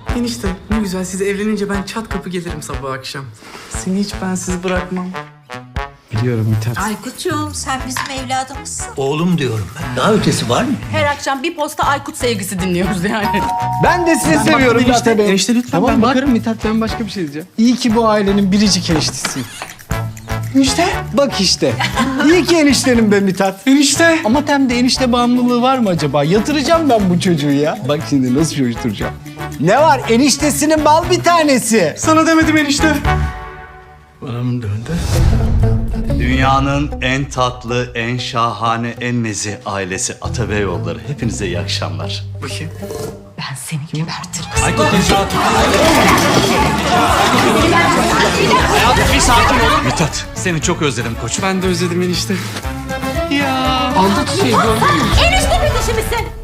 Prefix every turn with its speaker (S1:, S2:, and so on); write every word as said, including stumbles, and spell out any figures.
S1: Enişte ne güzel, siz evlenince ben çat kapı gelirim sabah akşam. Seni hiç bensiz bırakmam.
S2: Biliyorum Mithat.
S3: Aykut'cuğum sen bizim evladımızsın.
S4: Oğlum diyorum ben. Daha ötesi var mı?
S5: Her akşam bir posta Aykut sevgisi dinliyoruz yani.
S2: Ben de sizi seviyorum
S1: enişte.
S2: Mithat Bey.
S1: Enişte lütfen,
S2: Tamam
S1: ben bak-
S2: bakarım Mithat, ben başka bir şey diyeceğim. İyi ki bu ailenin biricik eniştesiyim.
S1: Enişte.
S2: Bak işte. İyi ki eniştenim be Mithat.
S1: Enişte.
S2: Ama temde enişte bağımlılığı var mı acaba? Yatıracağım ben bu çocuğu ya. Bak şimdi nasıl coşturacağım. Ne var? Eniştesinin bal bir tanesi.
S1: Sana demedim enişte.
S4: Bana mı döndü?
S6: Dünyanın en tatlı, en şahane, en nezih ailesi Atabeyoğulları. Hepinize iyi akşamlar.
S1: Bakayım.
S3: Ben seni gebertirim.
S6: Bir sakin ol. Mithat, seni çok özledim koçum.
S1: Ben de özledim enişte.
S2: Aldı çiçeği gördün mü?
S5: Enişte peşimizsin.